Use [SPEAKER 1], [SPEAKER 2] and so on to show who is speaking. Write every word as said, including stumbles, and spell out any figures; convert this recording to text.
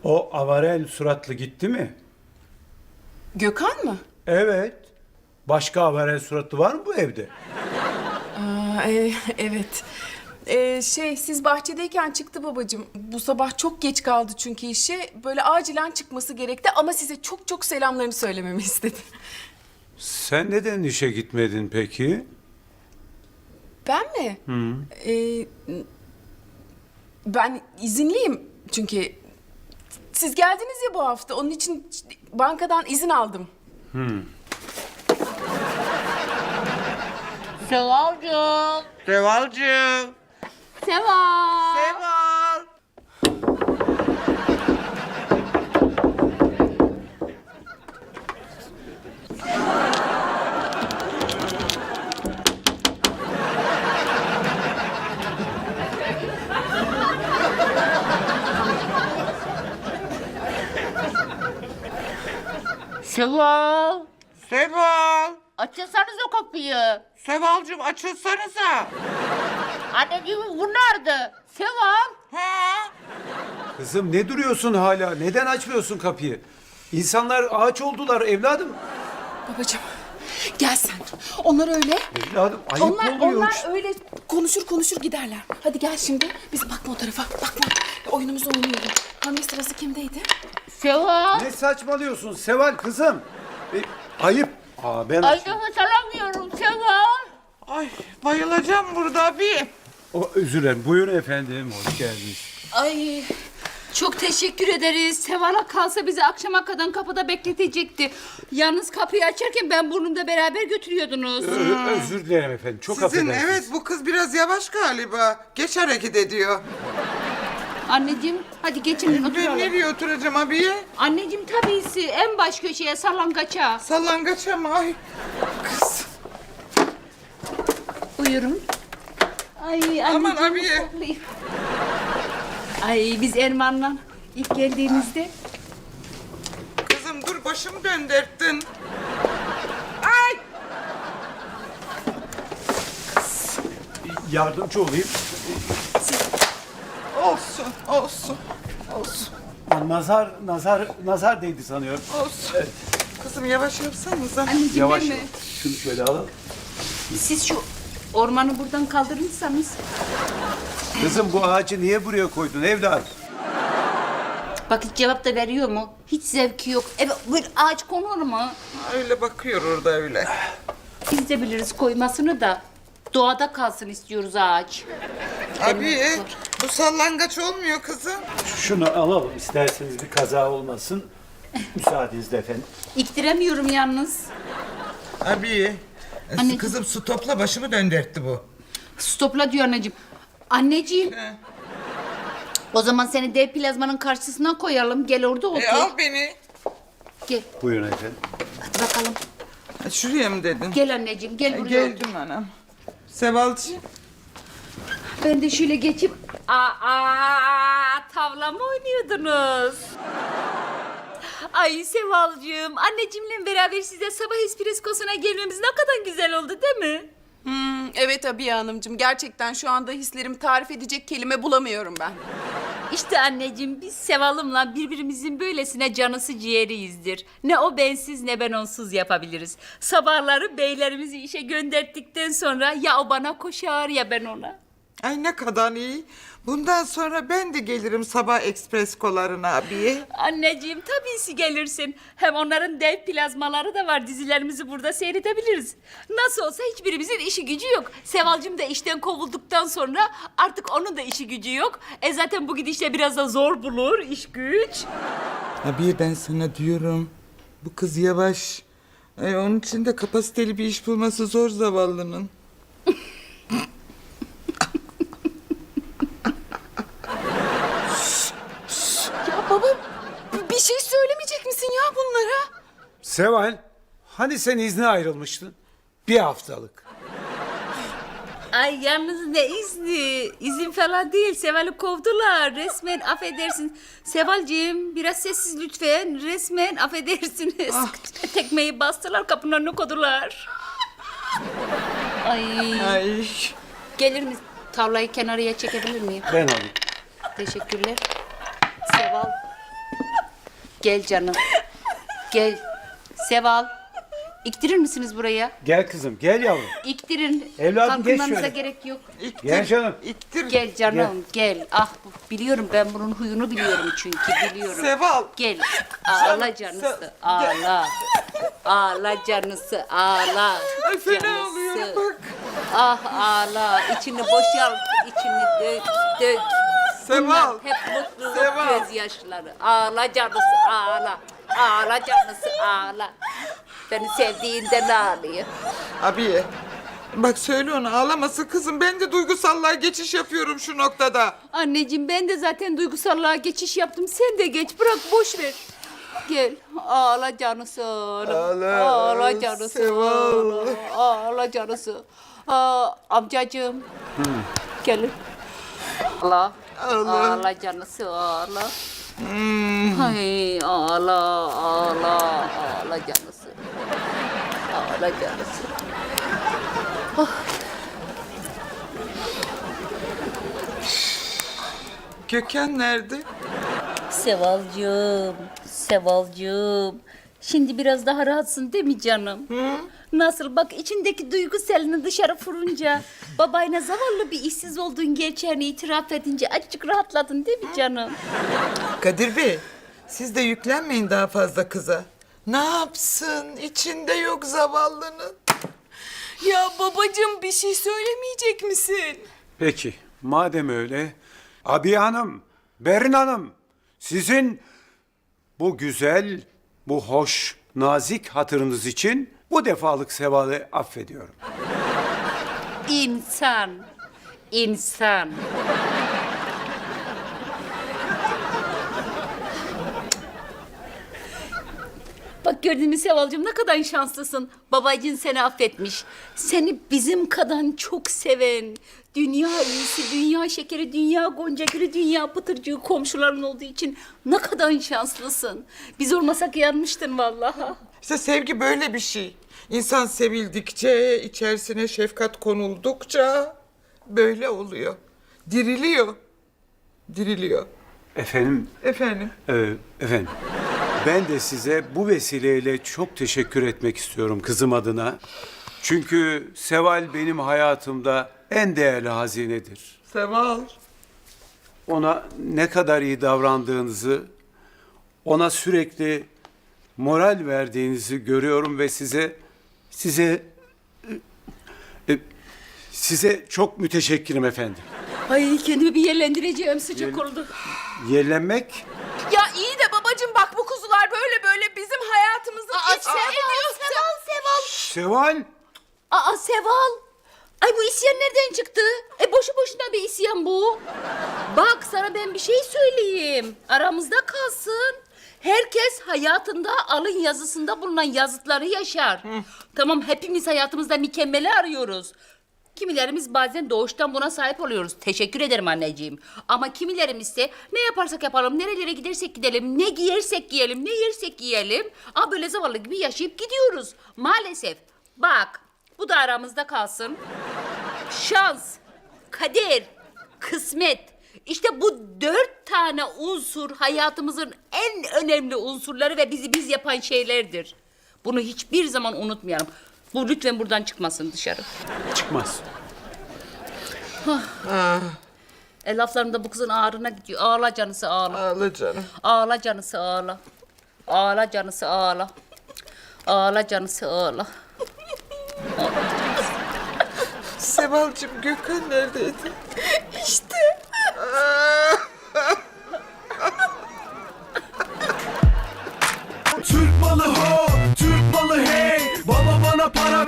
[SPEAKER 1] O avarel suratlı gitti mi?
[SPEAKER 2] Gökhan mı?
[SPEAKER 1] Evet. Başka avarel suratlı var mı bu evde?
[SPEAKER 2] Aa, e, evet. Ee, şey siz bahçedeyken çıktı babacığım. Bu sabah çok geç kaldı çünkü işe. Böyle acilen çıkması gerekti ama size çok çok selamlarını söylememi istedi.
[SPEAKER 1] Sen neden işe gitmedin peki?
[SPEAKER 2] Ben mi? Hı. Ee, ben izinliyim çünkü siz geldiniz ya bu hafta. Onun için bankadan izin aldım.
[SPEAKER 3] Sevalcığım.
[SPEAKER 4] Sevalcığım.
[SPEAKER 3] Seval.
[SPEAKER 4] Seval.
[SPEAKER 3] Seval.
[SPEAKER 4] Seval.
[SPEAKER 3] Açılsanız o kapıyı.
[SPEAKER 4] Sevalcığım açılsanıza.
[SPEAKER 3] Anneciğim bu nerede? Seval.
[SPEAKER 4] Ha?
[SPEAKER 1] Kızım ne duruyorsun hala? Neden açmıyorsun kapıyı? İnsanlar ağaç oldular evladım.
[SPEAKER 2] Babacığım gel sen. Onlar öyle.
[SPEAKER 1] Evladım ayıp
[SPEAKER 2] Onlar,
[SPEAKER 1] oluyor.
[SPEAKER 2] onlar öyle konuşur konuşur giderler. Hadi gel şimdi. Biz bakma o tarafa. Bakma. Oyunumuzu oynayalım. Hamle sırası kimdeydi?
[SPEAKER 3] Seval.
[SPEAKER 1] Ne saçmalıyorsun Seval kızım? E, ayıp. Aa, ben
[SPEAKER 3] Ay nefes alamıyorum Seval.
[SPEAKER 4] Ay bayılacağım burada bir.
[SPEAKER 1] O, özür dilerim. Buyurun efendim. Hoş geldiniz.
[SPEAKER 3] Ay çok teşekkür ederiz. Seval'a kalsa bizi akşama kadar kapıda bekletecekti. Yalnız kapıyı açarken ben burnumda beraber götürüyordunuz.
[SPEAKER 1] Ö- özür dilerim efendim. Çok
[SPEAKER 4] Sizin
[SPEAKER 1] affedersiniz.
[SPEAKER 4] evet bu kız biraz yavaş galiba. Geç hareket ediyor.
[SPEAKER 3] Anneciğim hadi geçin
[SPEAKER 4] Ben
[SPEAKER 3] oturalım.
[SPEAKER 4] nereye oturacağım abiye?
[SPEAKER 3] Anneciğim tabisi en baş köşeye sallangaça.
[SPEAKER 4] Sallangaça mı? Ay kız.
[SPEAKER 3] Buyurun. Ay anneciğim.
[SPEAKER 4] Aman abiye.
[SPEAKER 3] koklayayım. Ay biz Erman'la ilk geldiğimizde
[SPEAKER 4] Kızım dur başımı döndürttün. Ay.
[SPEAKER 1] Yardımcı olayım.
[SPEAKER 4] Olsun olsun. Olsun
[SPEAKER 1] Nazar, nazar, nazar değdi sanıyorum.
[SPEAKER 4] olsun. Kızım yavaş yapsanıza.
[SPEAKER 3] anneciğim
[SPEAKER 1] Yavaş.
[SPEAKER 3] değil mi?
[SPEAKER 1] Şunu şöyle alalım.
[SPEAKER 3] Siz şu ormanı buradan kaldırırsanız.
[SPEAKER 1] Kızım bu ağacı niye buraya koydun evladım?
[SPEAKER 3] Bak hiç cevap da veriyor mu? Hiç zevki yok. Evet böyle ağaç konur mu?
[SPEAKER 4] Öyle bakıyor orada öyle.
[SPEAKER 3] Biz de biliriz koymasını da. Doğada kalsın istiyoruz ağaç.
[SPEAKER 4] Abi bu sallangaç olmuyor kızım.
[SPEAKER 1] Şunu alalım isterseniz bir kaza olmasın. Müsaadenizle efendim.
[SPEAKER 3] İktiremiyorum yalnız.
[SPEAKER 4] Abi
[SPEAKER 3] Anneciğim.
[SPEAKER 4] kızım su topla başımı döndürttü bu.
[SPEAKER 3] Stopla diyor anneciğim. Anneciğim.
[SPEAKER 4] He.
[SPEAKER 3] O zaman seni dev plazmanın karşısına koyalım. Gel orada otur.
[SPEAKER 4] E al beni.
[SPEAKER 3] Gel.
[SPEAKER 1] Buyurun efendim.
[SPEAKER 3] Hadi bakalım.
[SPEAKER 4] Ha, şuraya mı dedin?
[SPEAKER 3] Gel anneciğim gel
[SPEAKER 4] E,
[SPEAKER 3] buraya otur.
[SPEAKER 4] geldim anam. Sevalcığım.
[SPEAKER 3] Ben de şöyle geçip aa tavla mı oynuyordunuz? Ay Sevalcığım, anneciğimle beraber size sabah espreskosuna gelmemiz ne kadar güzel oldu değil mi?
[SPEAKER 2] Hmm, evet Abiye Hanımcığım. Gerçekten şu anda hislerimi tarif edecek kelime bulamıyorum ben.
[SPEAKER 3] İşte anneciğim biz Seval'ımla birbirimizin böylesine canısı ciğeriyizdir. Ne o bensiz ne ben onsuz yapabiliriz. Sabahları beylerimizi işe gönderdikten sonra ya o bana koşar ya ben ona.
[SPEAKER 4] Ay ne kadar iyi. Bundan sonra ben de gelirim sabah ekspres kolarına abiye.
[SPEAKER 3] Anneciğim tabii ki gelirsin. Hem onların dev plazmaları da var. Dizilerimizi burada seyredebiliriz. Nasıl olsa hiçbirimizin işi gücü yok. Sevalcığım da işten kovulduktan sonra artık onun da işi gücü yok. E zaten bu gidişle biraz da zor bulur iş güç.
[SPEAKER 4] Abiye ben sana diyorum. Bu kız yavaş. Ay, onun için de kapasiteli bir iş bulması zor zavallının.
[SPEAKER 2] Ya baba b- bir şey söylemeyecek misin ya bunlara?
[SPEAKER 1] Seval, hani sen izne ayrılmıştın? Bir haftalık.
[SPEAKER 3] Ay yalnız ne izni? İzin falan değil. Seval'i kovdular. Resmen affedersin. Sevalciğim biraz sessiz lütfen. Resmen affedersiniz. Tekmeyi bastılar kapının önüne koydular. Ay.
[SPEAKER 4] Ay.
[SPEAKER 3] Gelir mi? Tavlayı kenarıya çekebilir miyim?
[SPEAKER 1] Ben alayım.
[SPEAKER 3] Teşekkürler. Seval. Gel canım. Gel. Seval. İktirir misiniz buraya?
[SPEAKER 1] Gel kızım, gel yavrum.
[SPEAKER 3] İktirin.
[SPEAKER 1] Evladım, geç
[SPEAKER 3] Kalkınmanıza
[SPEAKER 1] şöyle.
[SPEAKER 3] gerek yok.
[SPEAKER 4] İttir,
[SPEAKER 1] Gel canım.
[SPEAKER 4] ittir.
[SPEAKER 3] Gel canım gel. Ah biliyorum ben bunun huyunu biliyorum çünkü biliyorum.
[SPEAKER 4] Seval.
[SPEAKER 3] Gel. Ağla canısı. Ağla. Ağla canısı. Ağla.
[SPEAKER 4] Ay fena
[SPEAKER 3] canısı.
[SPEAKER 4] oluyorum bak.
[SPEAKER 3] Ah ağla. İçini boşalt. İçini dök dök.
[SPEAKER 4] Seval.
[SPEAKER 3] Bunlar hep mutluluk
[SPEAKER 4] Seval.
[SPEAKER 3] gözyaşları. Ağla canısı ağla. Ağla canısı ağla. Beni sevdiğinden ağlıyor.
[SPEAKER 4] Abi bak söyle ona ağlamasın kızım. Ben de duygusallığa geçiş yapıyorum şu noktada.
[SPEAKER 3] Anneciğim ben de zaten duygusallığa geçiş yaptım. Sen de geç bırak boş ver. Gel ağla canısı ağla.
[SPEAKER 4] Ağla,
[SPEAKER 3] Ağla canısı
[SPEAKER 4] Seval.
[SPEAKER 3] ağla. Ağla canısı. Aa, amcacığım. Gelin. Ağla.
[SPEAKER 4] Ağla.
[SPEAKER 3] Ağla canısı ağla. Ay ağla ağla ağla canısı. Ağla canısı.
[SPEAKER 4] Gökhan nerede?
[SPEAKER 3] Sevalcığım, Sevalcığım. Şimdi biraz daha rahatsın değil mi canım? Nasıl bak içindeki duygu selini dışarı fırınca, babayla zavallı bir işsiz olduğun gerçeğini itiraf edince azıcık rahatladın değil mi canım?
[SPEAKER 4] Kadir Bey, siz de yüklenmeyin daha fazla kıza. Ne yapsın? İçinde yok zavallının.
[SPEAKER 2] Ya babacığım bir şey söylemeyecek misin?
[SPEAKER 1] Peki, madem öyle, Abiye Hanım, Berin Hanım, sizin bu güzel, bu hoş, nazik hatırınız için bu defalık Seval'i affediyorum.
[SPEAKER 3] İnsan, insan. Bak gördün mü Sevalcığım ne kadar şanslısın. Babacığın seni affetmiş. Seni bizim kadar çok seven, dünya iyisi, dünya şekeri, dünya gonca gülü, dünya pıtırcığı komşuların olduğu için ne kadar şanslısın. Biz olmasak yanmıştın vallahi.
[SPEAKER 4] İşte sevgi böyle bir şey. İnsan sevildikçe, içerisine şefkat konuldukça böyle oluyor. Diriliyor. Diriliyor.
[SPEAKER 1] Efendim,
[SPEAKER 4] Efendim?
[SPEAKER 1] e, efendim, ben de size bu vesileyle çok teşekkür etmek istiyorum kızım adına. Çünkü Seval benim hayatımda en değerli hazinedir.
[SPEAKER 4] Seval.
[SPEAKER 1] Ona ne kadar iyi davrandığınızı, ona sürekli moral verdiğinizi görüyorum ve size size e, e, size çok müteşekkirim efendim.
[SPEAKER 3] Ay kendimi bir yerlendireceğim sıcak oldu.
[SPEAKER 1] Yerlenmek
[SPEAKER 2] Ya iyi de babacığım bak bu kuzular böyle böyle bizim hayatımızı içine ediyor.
[SPEAKER 3] Seval, Seval.
[SPEAKER 1] Seval,
[SPEAKER 3] Aa Seval. Ay bu isyan nereden çıktı? E boşu boşuna bir isyan bu. Bak sana ben bir şey söyleyeyim. Aramızda kalsın. Herkes hayatında alın yazısında bulunan yazıtları yaşar. Tamam hepimiz hayatımızda mükemmeli arıyoruz. Kimilerimiz bazen doğuştan buna sahip oluyoruz. Teşekkür ederim anneciğim. Ama kimilerimiz ise ne yaparsak yapalım, nerelere gidersek gidelim, ne giyersek giyelim, ne yersek yiyelim. Aa böyle zavallı gibi yaşayıp gidiyoruz. Maalesef. Bak bu da aramızda kalsın. Şans, kader, kısmet. İşte bu dört tane unsur hayatımızın en önemli unsurları ve bizi biz yapan şeylerdir. Bunu hiçbir zaman unutmayalım. Bu lütfen buradan çıkmasın dışarı.
[SPEAKER 1] çıkmaz.
[SPEAKER 3] E, laflarım da bu kızın ağrına gidiyor. Ağla canısı ağla.
[SPEAKER 4] Ağla canım.
[SPEAKER 3] Ağla canısı ağla. Ağla canısı ağla. Ağla canısı ağla.
[SPEAKER 4] Sevalcığım Gökhan neredeydi?
[SPEAKER 2] İşte.
[SPEAKER 5] Türk malı ho, Türk malı hey. Baba bana para